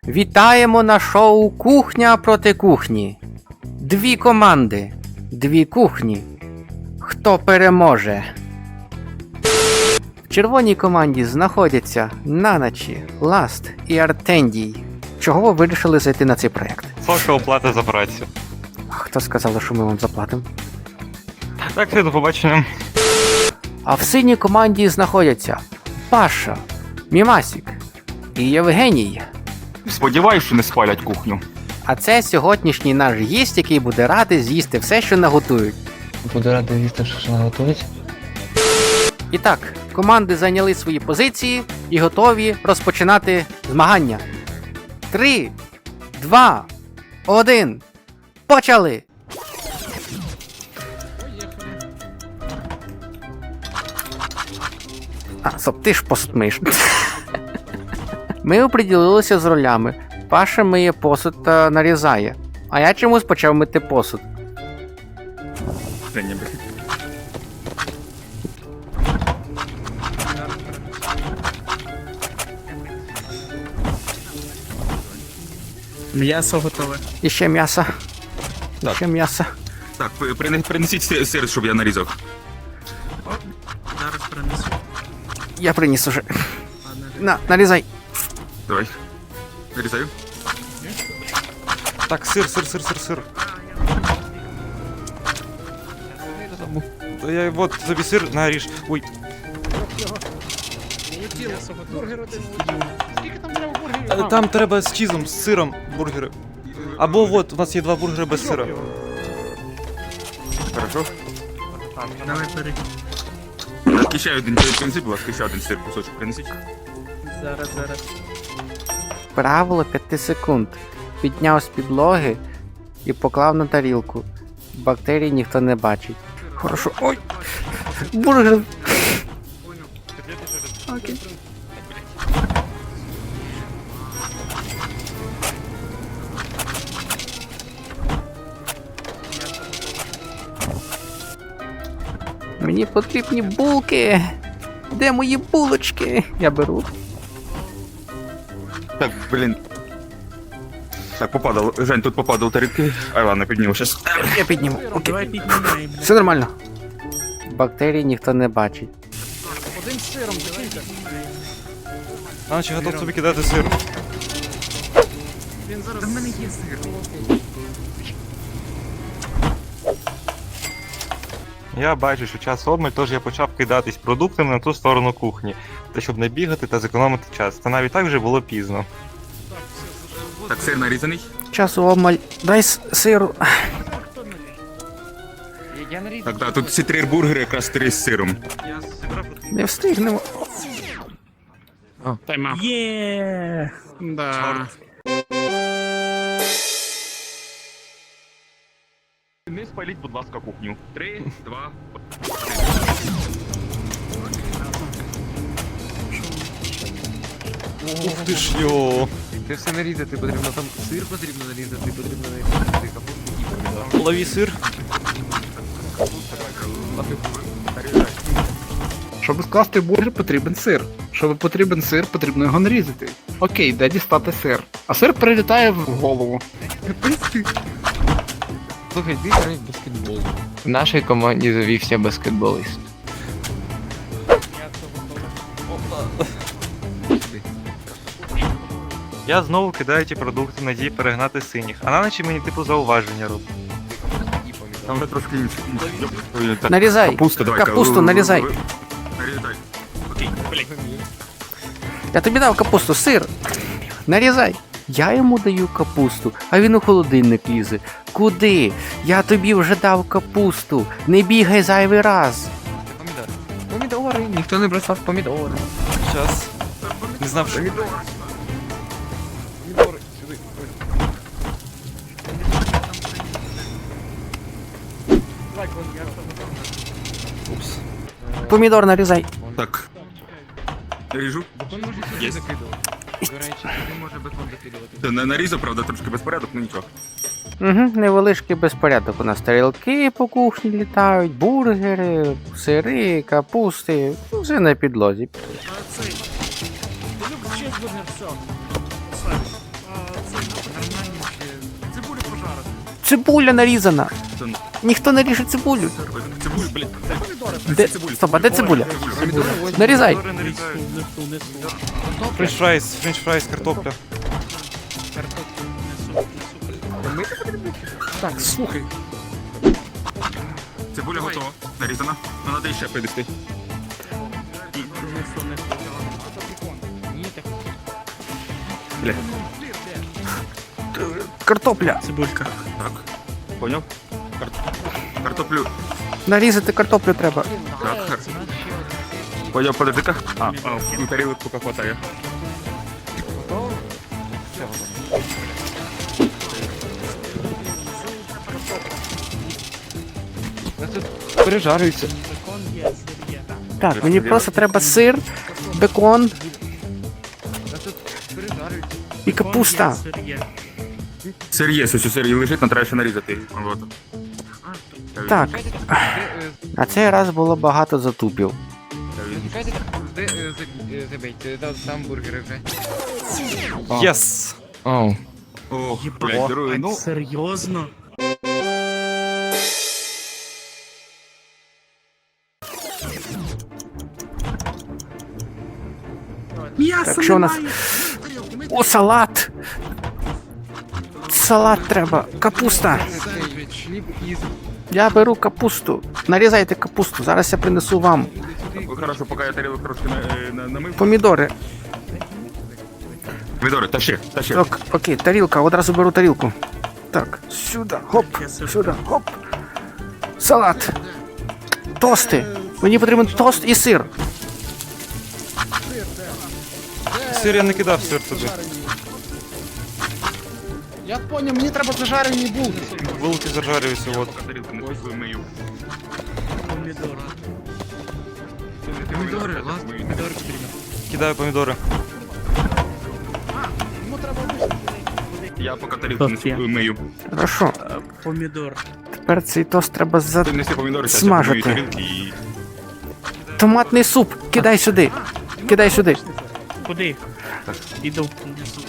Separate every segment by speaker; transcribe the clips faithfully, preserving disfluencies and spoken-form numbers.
Speaker 1: Вітаємо на шоу «Кухня проти кухні». Дві команди, дві кухні. Хто переможе? В червоній команді знаходяться Наночі, Ласт і Артендій. Чого ви вирішили зайти на цей проєкт?
Speaker 2: Соша оплата за працю.
Speaker 1: Хто сказав, що ми вам заплатимо?
Speaker 2: Так, все, до побачення.
Speaker 1: А в синій команді знаходяться Паша, Мімасік і Євгеній.
Speaker 3: Сподіваюсь, що не спалять кухню.
Speaker 1: А це сьогоднішній наш гість, який буде радий з'їсти все, що наготують.
Speaker 4: Буду радий їсти, що наготують.
Speaker 1: І так, команди зайняли свої позиції і готові розпочинати змагання. Три, два, один. Почали! А, стоп, ти ж посуд миєш. Ми оприділилися з ролями. Паша миє посуд та нарізає. А я чомусь почав мити посуд.
Speaker 5: М'ясо готове.
Speaker 1: І ще м'ясо. І
Speaker 3: Так.
Speaker 1: ще м'ясо.
Speaker 3: Так, прине- принесіть сир, сир, щоб я нарізав.
Speaker 5: Зараз принесу.
Speaker 1: Я приніс уже. На, нарізай.
Speaker 3: Давай. Нарізаю.
Speaker 2: Так, сир, сир, сир, сир, сир. Та я вот тобі сир наріж. Ой, е, там треба з чізом, з сиром бургери. Або вот, у нас є два бургери без сира.
Speaker 3: Хорошо.
Speaker 5: Давай бери.
Speaker 3: Так, ще один принесіть, будь ласка, ще один сир, кусочок принесіть.
Speaker 5: Зараз, зараз.
Speaker 1: Правило п'яти секунд. Підняв з підлоги і поклав на тарілку. Бактерій ніхто не бачить. Хорошо. Ой! Бургер! Окей. Мені потрібні булки. Де мої булочки? Я беру.
Speaker 3: Так, блін. Так, попадало. Жень, тут попадало тарілки. Ай, ладно, підніму щас.
Speaker 1: Я підніму. Окей.
Speaker 5: Давай піднімаємо.
Speaker 1: Все нормально. Бактерій ніхто не бачить.
Speaker 2: А наче готов тобі кидати сир.
Speaker 5: Він зараз... Та в мене є сир.
Speaker 2: Я бачу, що час обмаль, тож я почав кидатись продуктами на ту сторону кухні. Та щоб не бігати та зекономити час. Та навіть так вже було пізно.
Speaker 3: Так, сир нарізаний.
Speaker 1: Часу обмаль. Дай с- сиру.
Speaker 3: Так, так, тут всі три бургери, якраз три з сиром.
Speaker 1: Не встигнемо.
Speaker 5: Є! Да.
Speaker 3: Не спаліть, будь ласка, кухню. Три, два,
Speaker 2: Ух ти ж йо.
Speaker 6: Це все нарізати потрібно, там сир потрібно нарізати, потрібно нарізати капусту і помідор.
Speaker 2: Лови сир.
Speaker 7: Щоб скласти бургер, потрібен сир. Щоб потрібен сир, потрібно його нарізати. Окей, де дістати сир? А сир прилітає в голову.
Speaker 6: Слухай, ти граєш в баскетбол. В нашій команді завівся баскетболіст.
Speaker 2: Я знову кидаю ті продукти в надії перегнати синіх. А на ночі мені типу зауваження робить.
Speaker 3: там вже трошки інше. Ой, так,
Speaker 1: Нарізай.
Speaker 3: Капусту, давай.
Speaker 1: Капусту нарізай.
Speaker 3: Нарізай. Окей, блін.
Speaker 1: Я тобі дав капусту, сир. Нарізай. Я йому даю капусту, а він у холодильник лізе. Куди? Я тобі вже дав капусту. Не бігай зайвий раз.
Speaker 6: Помідори. Помідори, ніхто не бросав помідори.
Speaker 2: Щас. Не знав, що... Упс.
Speaker 1: Помідор нарізай.
Speaker 3: Так. Ріжу. Є.
Speaker 6: До речі, туди може бекон закидувати.
Speaker 3: Та на- Нарізав, правда, трошки безпорядок, ну нічого.
Speaker 1: Угу, невеличкий безпорядок. У нас тарілки по кухні літають, бургери, сири, капусти. Все на підлозі.
Speaker 5: А цей. Ти любиш чизбургер, все. Славі.
Speaker 1: цибуля нарізана.
Speaker 3: Це-
Speaker 1: Ніхто не ріже цибулю.
Speaker 3: Цибуль, блядь.
Speaker 1: Де... Стоп, а де цибуля? Нарізай.
Speaker 2: Помідори нарізаю.
Speaker 5: Несу, несу.
Speaker 2: Френч фрайс, френч фрайс, картопля.
Speaker 5: Картоплю несу, несу.
Speaker 7: Так, слухай.
Speaker 3: Цибуля готова. Нарізана. Ну, надо ще підійти.
Speaker 5: Несу, несу. Ні, так.
Speaker 3: Блядь.
Speaker 1: Картопля.
Speaker 5: Цибулька.
Speaker 3: Так. Поняв? Кар... Картоплю.
Speaker 1: Нарізати картоплю треба.
Speaker 3: Так, хер. Поняв, подожди-ка. А, а, тарілок поки хватає.
Speaker 4: Пережарюється.
Speaker 5: Бекон є, сир є.
Speaker 1: Так, мені просто треба сир, бекон і капуста.
Speaker 5: Бекон є, сир є.
Speaker 3: Сир є, ось сир і лежить, нам треба ще нарізати. Вот.
Speaker 1: Так. А цей раз було багато затупів.
Speaker 6: Де е, за- е, забейте, да, там бургери вже.
Speaker 2: Єс!
Speaker 4: Оу.
Speaker 3: Ох,
Speaker 5: Єбать,
Speaker 3: блядь, герої, ну.
Speaker 5: серйозно? М'яса
Speaker 1: Так, що у нас?
Speaker 5: немає.
Speaker 1: О, салат! Салат треба. Капуста.
Speaker 6: Сендвіч, хліб із...
Speaker 1: Я беру капусту. Нарізайте капусту. Зараз я принесу вам.
Speaker 3: Хорошо, поки я тарілок трошки на, е, на, намив.
Speaker 1: Помідори.
Speaker 3: Помідори, тащи, тащи.
Speaker 1: Ок, окей, тарілка. Одразу беру тарілку. Так, сюди, хоп, сюди, хоп. Салат. Тости. Мені потрібен тост і сир.
Speaker 2: Сир я не кидав, сир туди.
Speaker 7: Я поняв, мені треба зажарені булки.
Speaker 2: Булки зажарюються, от.
Speaker 3: Тарілку не пішли, мию.
Speaker 5: Помідори. Помідори, ладно, помідори потрібно.
Speaker 2: Кидаю помідори.
Speaker 3: Я поки тарілку не
Speaker 5: Тост є.
Speaker 3: мию.
Speaker 1: Хорошо.
Speaker 5: Помідор.
Speaker 1: Тепер цей тост треба за...
Speaker 3: Ти неси помідори, зараз
Speaker 1: Смажити.
Speaker 3: я помию тарілки і...
Speaker 1: Томатний суп. Кидай сюди. Кидай сюди.
Speaker 5: Куди? Іду. Несу.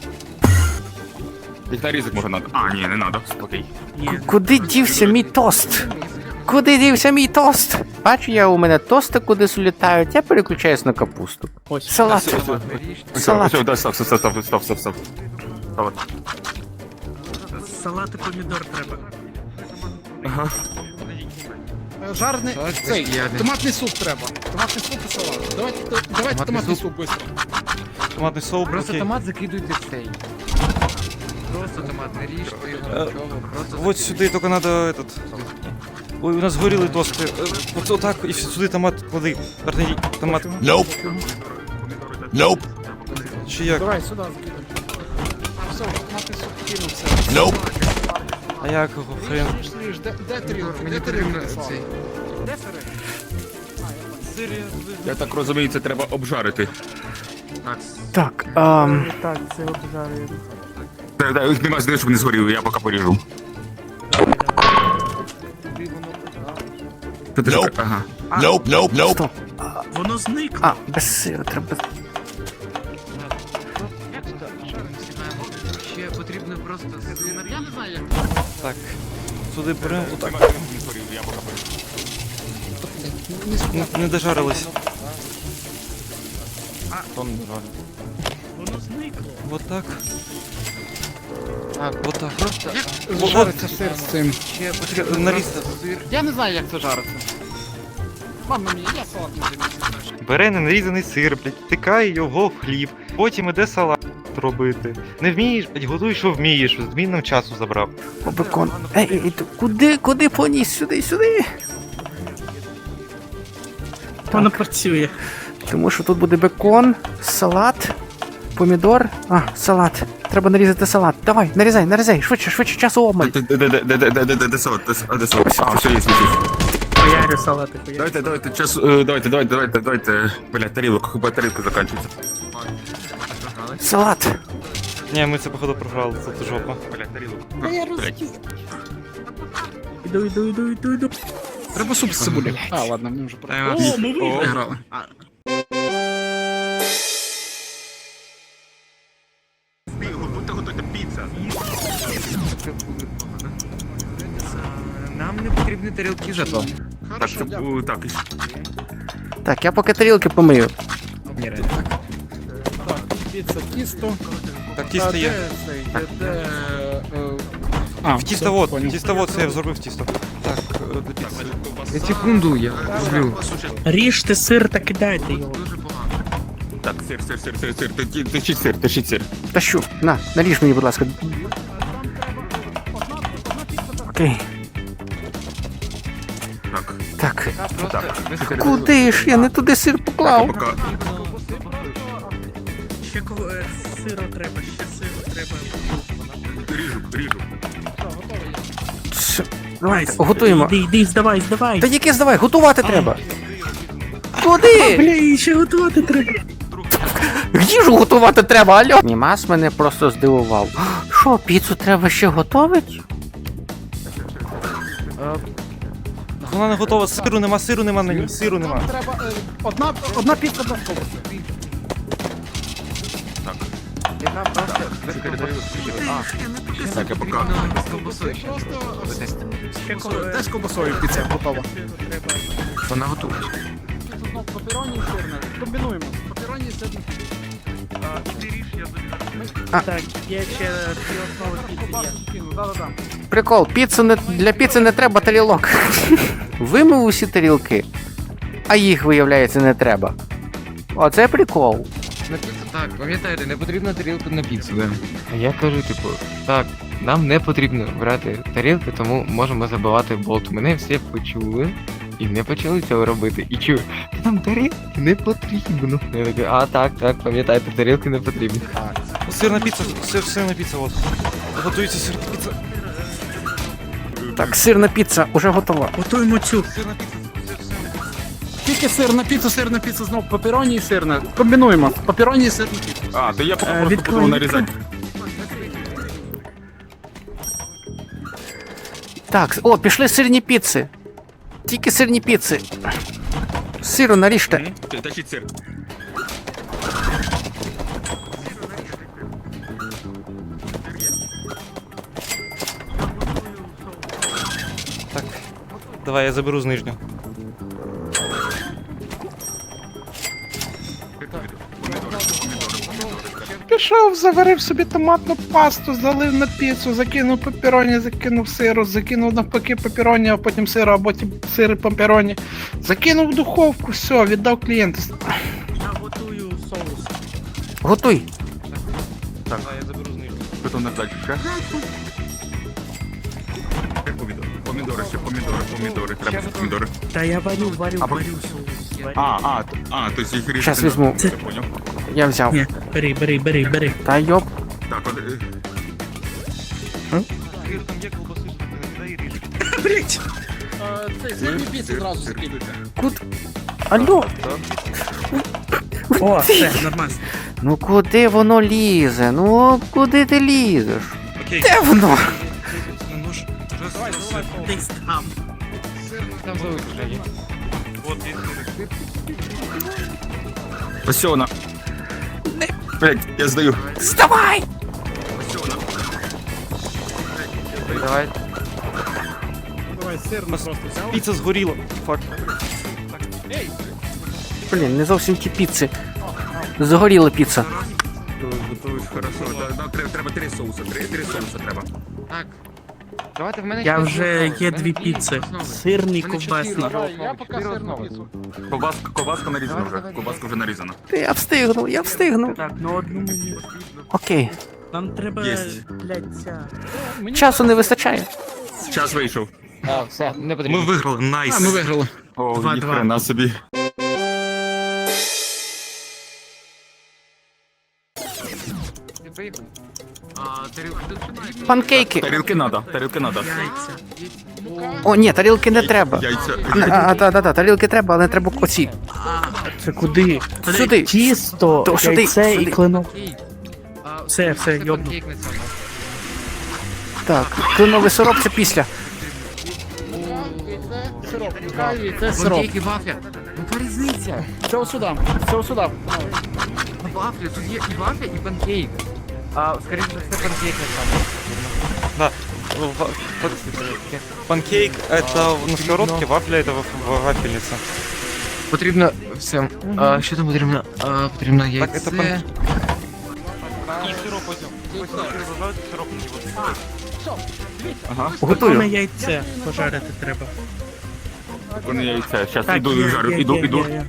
Speaker 3: Їх нарізок може надо. А, ні, не надо. Окей.
Speaker 5: Ні.
Speaker 1: Куди дівся мій тост? Куди дівся мій тост? Бачу, я у мене тости кудись улітають, я переключаюсь на капусту.
Speaker 5: Ось.
Speaker 1: Салат. Салат.
Speaker 3: Все, да, стоп, стоп, стоп, стоп, стоп, стоп, стоп. Салат.
Speaker 5: Салат і помідор треба.
Speaker 3: Ага.
Speaker 7: Жарний
Speaker 6: Салат
Speaker 7: цей,
Speaker 6: ядний.
Speaker 7: томатний суп треба. Томатний суп і салат. Давайте, давайте томатний суп швидко.
Speaker 2: Томатний соус,
Speaker 6: Просто
Speaker 2: окей.
Speaker 6: томат закидуйте в цей. Просто томат, не ріжте його,
Speaker 2: Е,
Speaker 6: нічого, просто
Speaker 2: Вот сюди тільки надо этот... Ой, у нас горіли тости. Е, От отак, і сюди томат клади. Верній, томат.
Speaker 3: Nope. Nope.
Speaker 2: Чи як?
Speaker 7: Давай сюди закидай. А все, томатний суп кинувся.
Speaker 2: А як його хрен?
Speaker 7: Слиш, де, де тарілка?
Speaker 6: Мені
Speaker 7: Де
Speaker 6: потрібно
Speaker 7: тарілка?
Speaker 6: цей.
Speaker 7: Де сири?
Speaker 3: Я так розумію, це треба обжарити.
Speaker 1: Так, ем,
Speaker 5: Так, це обжарюємо.
Speaker 3: Так, так, їх нема сюди, щоб не згоріли, я поки поріжу. Що ти ж- Ага.
Speaker 1: стоп.
Speaker 5: Воно зникло.
Speaker 1: А, без сиру треба.
Speaker 6: Ще потрібно просто сюди. Я не знаю, як.
Speaker 2: Так. Сюди беремо, отак.
Speaker 3: Нема, щоб не згоріли, я поки поріжу.
Speaker 2: Не, не дожарились. Тон не жарить.
Speaker 5: Воно зникло.
Speaker 2: Вот так.
Speaker 6: Так,
Speaker 2: Вот так.
Speaker 6: просто
Speaker 7: Жариться сир з цим.
Speaker 6: ще потрібно
Speaker 2: Нарізати.
Speaker 6: просто сир.
Speaker 7: Я не знаю, як це жариться. Мама мені, я салат не займаюся.
Speaker 2: Бере ненарізаний сир, блядь, тикає його в хліб, потім іде салат робити. Не вмієш, блядь, готуй, що вмієш, з змінним часу забрав.
Speaker 1: О, бекон. Ей, ей, ей, ту- куди, куди поніс? Сюди, сюди.
Speaker 5: Воно працює.
Speaker 1: Тому що тут буде бекон, салат, помідор. А, салат. Треба нарізати салат. Давай, нарізай, нарізай, швидше, швидше, часу обмаль.
Speaker 3: Де- де- де- де- де- де- де- де- де салат? Де с- а, де салат? А, все, є, є, є.
Speaker 5: Поярю салати, поярю.
Speaker 3: Давайте, давайте, час, е, давайте, давайте, давайте, давайте, блядь, тарілок, хіба тарілка закінчується.
Speaker 1: Салат.
Speaker 2: Ні, ми це походу програли, це жопа.
Speaker 3: Блядь, тарілок. Блядь.
Speaker 5: Іду, іду, іду, іду, іду.
Speaker 7: Треба суп з цибулі. А, ладно, ми вже про.
Speaker 5: О, ми виграли.
Speaker 7: Виграли.
Speaker 3: Будьте готуйте піцу.
Speaker 6: Нам не потрібні тарілки зато.
Speaker 3: Так, це бу- так.
Speaker 1: Так, я поки тарілки помию.
Speaker 7: Піца, тісто.
Speaker 2: Так, тісто є.
Speaker 7: А,
Speaker 2: В тістовод, тістовод, це я зробив тісто. Так, е, до піци.
Speaker 6: Я секунду, я роблю.
Speaker 5: Ріжте сир та кидайте його.
Speaker 3: Так, сир, сир, сир, сир, сир. Ти- ти- Тащіть сир, тащіть сир.
Speaker 1: Та що? На, наріж мені, будь ласка. Окей.
Speaker 3: Так,
Speaker 1: Так.
Speaker 3: так.
Speaker 1: Куди ж? Я не туди сир
Speaker 3: Так,
Speaker 1: поклав.
Speaker 3: пока.
Speaker 5: Ще кого е, сиру треба, ще сиру треба.
Speaker 3: Ріжу, ріжу.
Speaker 1: Ш- Давайте, готуємо.
Speaker 5: Іди, іди, здавай, здавай.
Speaker 1: Та яке здавай, готувати треба. Куди?
Speaker 5: Бля, ще готувати треба.
Speaker 1: Їжу готувати треба, алло. Німас мене просто здивував. Що, піцу треба ще готувати?
Speaker 2: Вона не готова, сиру нема, сиру нема на ній, сиру нема.
Speaker 7: Треба е, одна, одна піца без колбаси.
Speaker 3: Так, я пока.
Speaker 5: Ще кого е,
Speaker 7: Теж з колбасою піца готова.
Speaker 6: Вона готова.
Speaker 7: Знов папероні і сирне. Комбінуємо. Папероні і сирне.
Speaker 5: Так, є ще дві основи піці є.
Speaker 7: Да-да-да.
Speaker 1: Прикол, піцу не, для піци не треба тарілок. Вимив усі тарілки, а їх, виявляється, не треба. Оце прикол.
Speaker 6: На піцу, так, пам'ятаєте, не потрібна тарілка на піцу, да. А я кажу, типу, так, нам не потрібно брати тарілки, тому можемо забивати болт. Мене всі почули і не почали цього робити. І чую, нам тарілки не потрібно. Я такий, а так, так, пам'ятаєте, тарілки не потрібні.
Speaker 2: Сирна піца, сир, сирна піца, от. Готується сирна піца.
Speaker 1: Так, сирна піца уже готова.
Speaker 5: Готуємо цю.
Speaker 2: Сирна піца, сир, сир.
Speaker 7: Тільки сирна піца, сирна піца, знов папероні і сирне. Комбінуємо. Папероні і сирне піца.
Speaker 3: А, то я поки
Speaker 5: Е,
Speaker 3: просто
Speaker 5: відкрой,
Speaker 3: буду нарізати.
Speaker 1: Так, о, пішли сирні піци. Тільки сирні піци. Сиру наріжте.
Speaker 3: Ти- Тащіть сир.
Speaker 2: Так, давай я заберу з нижнього.
Speaker 7: Пішов, заварив собі томатну пасту, залив на піцу, закинув папероні, закинув сиру, закинув навпаки папероні, а потім сиру, а потім сири папероні. Закинув в духовку, все, віддав клієнту.
Speaker 5: Я готую соус.
Speaker 1: Готуй.
Speaker 2: Давай я заберу з нижнього.
Speaker 3: Потім на далі ще. Помідори, помідори ще, помідори, помідори, треба ще помідори.
Speaker 5: Та я варю, варю,
Speaker 3: А,
Speaker 5: варю соус. Варю.
Speaker 3: А, а, т- а, то есть їх різати.
Speaker 1: Щас
Speaker 3: не
Speaker 1: візьму.
Speaker 3: треба, я поняв.
Speaker 1: Я взяв.
Speaker 5: Ні, бери, бери, бери, бери.
Speaker 1: Та йоп.
Speaker 3: Так, от, е,
Speaker 2: Сир там є, колбаси, не дай ріж.
Speaker 5: Блять.
Speaker 7: Цей сирні піци зразу скидуйте.
Speaker 1: Куд... Алло.
Speaker 5: О, все, нормально.
Speaker 1: Ну куди воно лізе? Ну куди ти лізеш?
Speaker 2: Окей.
Speaker 1: Де воно?
Speaker 2: На нож. Раз, раз,
Speaker 5: Десь там.
Speaker 6: Там залишиш вже є.
Speaker 2: от, є сир.
Speaker 3: ось вона. Блять, я здаю.
Speaker 1: Вставай!
Speaker 3: Ось вона.
Speaker 6: Давай.
Speaker 7: Давай, сирну просто взяв.
Speaker 2: Піца згоріла. Фак.
Speaker 1: Блін, не зовсім ті піци. Згоріла піца.
Speaker 3: Готуєш, хорошо. Да, да, треба, треба три соуса, три, три соуса треба.
Speaker 6: Так. Давайте в мене
Speaker 5: Я
Speaker 6: ще
Speaker 5: вже
Speaker 6: дві
Speaker 5: є
Speaker 6: основи.
Speaker 5: дві
Speaker 6: В мене
Speaker 5: піци.
Speaker 6: основи.
Speaker 5: Сирний,
Speaker 6: В мене
Speaker 5: ковбасний.
Speaker 6: чотири основи,
Speaker 7: Я поки
Speaker 6: чотири
Speaker 7: сирну
Speaker 6: основи.
Speaker 7: піцу.
Speaker 3: Ковбаска, ковбаска нарізана
Speaker 6: Давай,
Speaker 3: вже.
Speaker 6: давай,
Speaker 3: Ковбаска вже нарізана.
Speaker 1: Я встигну, я встигну.
Speaker 5: Так, ну одну мені.
Speaker 1: Окей.
Speaker 5: Нам треба,
Speaker 3: Єсть.
Speaker 5: блядь, ця.
Speaker 1: Часу не вистачає.
Speaker 3: Час вийшов.
Speaker 6: А, все, не
Speaker 2: Ми
Speaker 6: потрібно.
Speaker 2: виграли, найс.
Speaker 7: А, ми виграли.
Speaker 3: О,
Speaker 5: Два-два.
Speaker 3: ніхрена собі.
Speaker 6: Ти поїхав? А, тарілка тут потрібна?
Speaker 1: Панкейки.
Speaker 3: Тарілки надо, тарілки надо.
Speaker 5: Яйця.
Speaker 1: О, ні, тарілки не треба.
Speaker 3: Яйця.
Speaker 1: А, а, та, та, та, тарілки треба, але не треба оці.
Speaker 5: Це куди?
Speaker 1: Сюди.
Speaker 5: Тісто,
Speaker 1: То сюди,
Speaker 5: яйце
Speaker 1: сюди.
Speaker 5: і клинок.
Speaker 6: Окей. А,
Speaker 5: Все, все,
Speaker 6: це
Speaker 5: йобну.
Speaker 6: панкейк на цьому.
Speaker 1: Так, кленовий сироп це після.
Speaker 7: Сироп, каві, це сироп.
Speaker 6: Панкейк і вафля. Ну яка різниця?
Speaker 7: Це ось сюди, це ось сюди.
Speaker 6: Ну, вафля, тут є і вафля, і панкейк. А, скоріше за все, панкейк не саме.
Speaker 2: Да. В- в- Панкейк это на сковородке, вафля это ва- вафельница.
Speaker 6: Потрібно все. А, що там потрібно? А, потрібно яйце.
Speaker 2: Так, це пан- І сироп потім. Потім розжарити сироп.
Speaker 3: Ага.
Speaker 1: Готую.
Speaker 5: Саме яйце пожарити треба.
Speaker 3: Вони яйця. Щас
Speaker 5: Так,
Speaker 3: іду,
Speaker 5: є,
Speaker 3: жарю,
Speaker 5: є,
Speaker 3: іду,
Speaker 5: є,
Speaker 3: іду.
Speaker 5: є, є.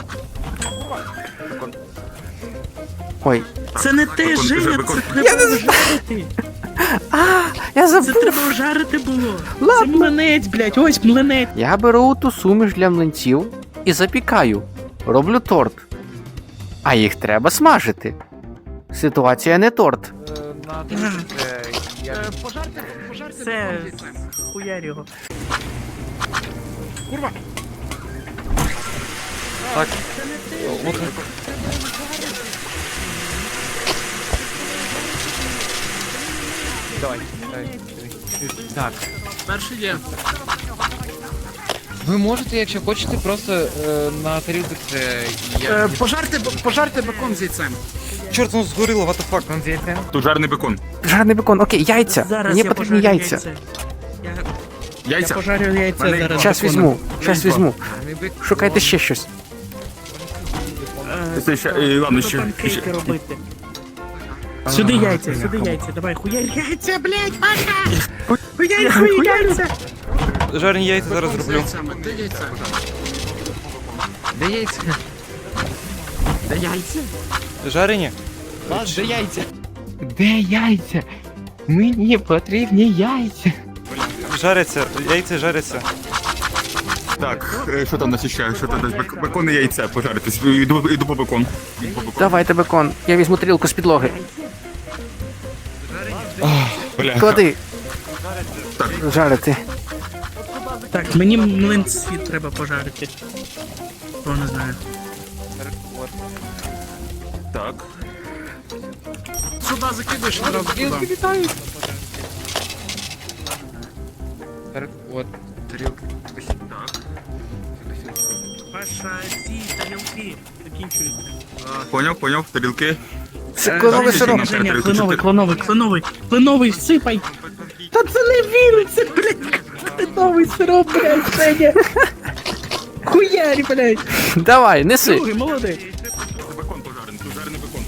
Speaker 1: Ой,
Speaker 5: Це не те,
Speaker 3: Бекон,
Speaker 5: Женя,
Speaker 3: бекон.
Speaker 5: це треба вжарити.
Speaker 1: я
Speaker 5: Це
Speaker 1: забув.
Speaker 5: треба вжарити було. Це млинець, блядь, ось млинець.
Speaker 1: Я беру ту суміш для млинців і запікаю. Роблю торт. А їх треба смажити. Ситуація не торт.
Speaker 5: Це хуярь його.
Speaker 2: Так. От
Speaker 6: Давай, давай. Так.
Speaker 5: Перший є.
Speaker 6: Ви можете, якщо хочете, просто е, на тарілку це
Speaker 5: Е, Пожарте, пожарте бекон з яйцем.
Speaker 2: чорт, ну згоріло, what the fuck.
Speaker 6: Кон з яйцем.
Speaker 3: Тут жарений бекон.
Speaker 1: Жарений бекон, окей, яйця.
Speaker 5: Зараз
Speaker 1: Мені
Speaker 5: я
Speaker 1: потрібні
Speaker 5: пожарю
Speaker 1: яйця.
Speaker 5: Я, я
Speaker 3: Яйця.
Speaker 5: пожарю яйця
Speaker 3: Мене
Speaker 5: зараз.
Speaker 1: Щас
Speaker 5: беконом.
Speaker 1: візьму, щас візьму.
Speaker 6: Не бекон.
Speaker 1: Шукайте ще щось.
Speaker 5: Е,
Speaker 3: Це ще, е, ладно,
Speaker 5: треба
Speaker 3: ще.
Speaker 5: панкейки
Speaker 3: ще-
Speaker 5: робити. Сюди яйця, сюди яйця, давай, хуярь яйця, блядь, Паша! Хуярь, хуярь яйця!
Speaker 2: Жарені яйця зараз зроблю.
Speaker 6: Де яйця?
Speaker 5: Де яйця?
Speaker 2: Жарені?
Speaker 6: Вас, де яйця? Де яйця? Мені потрібні яйця.
Speaker 2: Жаряться, яйця жаряться.
Speaker 3: Так, е, що там у нас ще? Що там? Бек- Бекон і яйця пожаритись. Іду, іду по бекон. Іду по бекон.
Speaker 1: Давайте бекон. Я візьму тарілку з підлоги.
Speaker 3: Бля.
Speaker 1: Клади.
Speaker 3: Так.
Speaker 1: Жарити.
Speaker 5: Так, мені млинці треба пожарити. Хто не знає.
Speaker 3: Так.
Speaker 5: Сюди закидаєш, одразу
Speaker 6: Тарілки
Speaker 5: туди.
Speaker 6: літають. Так, от, тарілки.
Speaker 5: Паша, ці тарілки закінчуються.
Speaker 3: Поняв, поняв, тарілки.
Speaker 1: Це кленовий
Speaker 3: Женя,
Speaker 1: сироп.
Speaker 3: Женя.
Speaker 5: Женя,
Speaker 3: тарілку
Speaker 5: кленовий,
Speaker 3: чотири.
Speaker 5: кленовий, кленовий, кленовий, всипай. Та це не він, це, блядь, кленовий сироп, блядь, Женя. Хуярі, блядь.
Speaker 1: Давай, неси.
Speaker 5: Другий, молодець.
Speaker 3: Бекон пожарений, тут жарений бекон.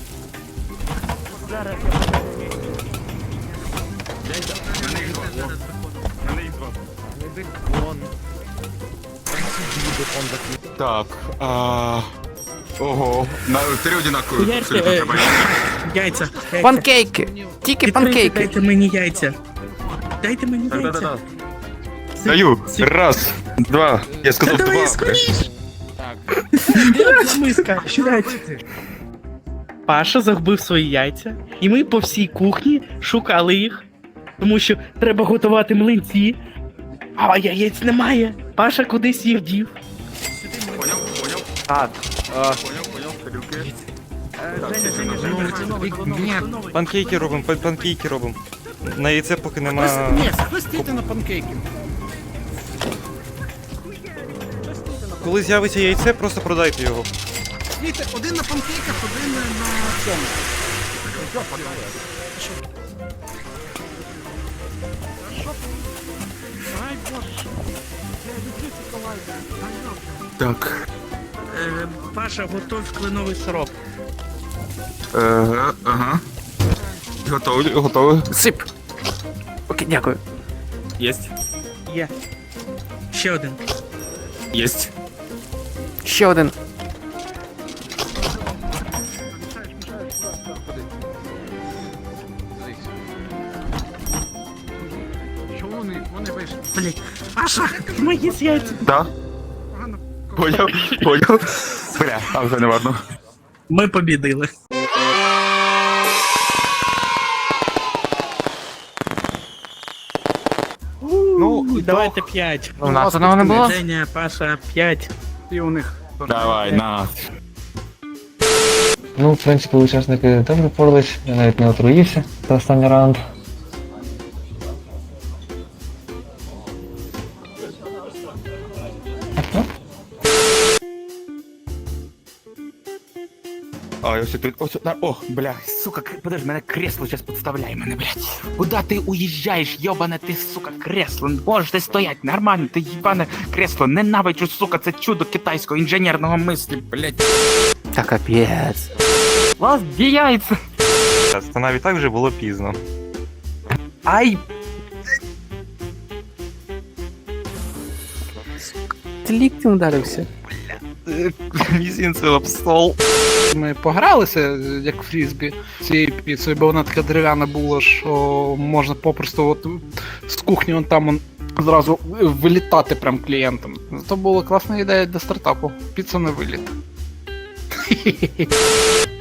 Speaker 3: Мене їх два.
Speaker 6: Не бекон.
Speaker 3: Так, а... Ого, на три одинакові.
Speaker 5: Хуярте,
Speaker 3: абсолютно
Speaker 5: е,
Speaker 3: треба.
Speaker 5: яйця. яйця.
Speaker 1: Панкейки. Тільки
Speaker 5: Відкрийте,
Speaker 1: панкейки.
Speaker 5: Дайте мені яйця. Дайте мені яйця.
Speaker 3: Да-да-да. Даю. Раз, два. Я
Speaker 5: Та
Speaker 3: сказав
Speaker 5: давай
Speaker 3: два.
Speaker 5: скоріш.
Speaker 6: Так.
Speaker 5: Де миска? Сідайте. Паша загубив свої яйця, і ми по всій кухні шукали їх, тому що треба готувати млинці, а яєць немає. Паша кудись їх дів.
Speaker 3: Поняв, поняв,
Speaker 1: Так.
Speaker 3: поняв, поняв, тарілки.
Speaker 6: Ні,
Speaker 2: Панкейки робимо, пан- панкейки робимо. На яйце поки нема.
Speaker 5: Ні, схвостійте на панкейки.
Speaker 2: Коли з'явиться яйце, просто продайте його.
Speaker 5: Дивіться, один на панкейках, один на цьому.
Speaker 3: Так.
Speaker 5: Е, Паша, готов кленовий сироп.
Speaker 3: Ага, ага. Готовий, готовий.
Speaker 1: Сип. Окей, дякую.
Speaker 3: Єсть.
Speaker 5: Є. Ще один.
Speaker 3: Єсть.
Speaker 1: Ще один.
Speaker 5: Блять, Паша, мої з яйця.
Speaker 3: Да. Поняв, поняв. Бля, а вже не важно.
Speaker 5: Ми побідили.
Speaker 2: Ну, і
Speaker 5: Давайте п'ять.
Speaker 6: у нас одного не було?
Speaker 5: Женя, Паша, п'ять.
Speaker 3: Давай, на.
Speaker 4: Ну, в принципі, учасники добре впорались, я навіть не отруївся за останній раунд.
Speaker 3: А Давай, ось тут, ось, на- о, бля, сука, к- подожди, мене кресло зараз підставляє мене, блядь.
Speaker 5: Куда ти уїжджаєш, йобане ти, сука, кресло? Можете стоять, нормально, ти їбане кресло, ненавиджу, сука, це чудо китайського інженерного мислі, блядь.
Speaker 1: Та капець.
Speaker 6: Вас діяється!
Speaker 2: Час. Це навіть так вже було пізно.
Speaker 5: Ай,
Speaker 1: Ти ліктем ударився.
Speaker 2: Мізінцем об стол.
Speaker 7: Ми погралися, як фрізбі, цією піцею, бо вона така дерев'яна була, що можна попросту от з кухні вон там он, зразу вилітати прям клієнтам. Це була класна ідея для стартапу. Піца на виліт.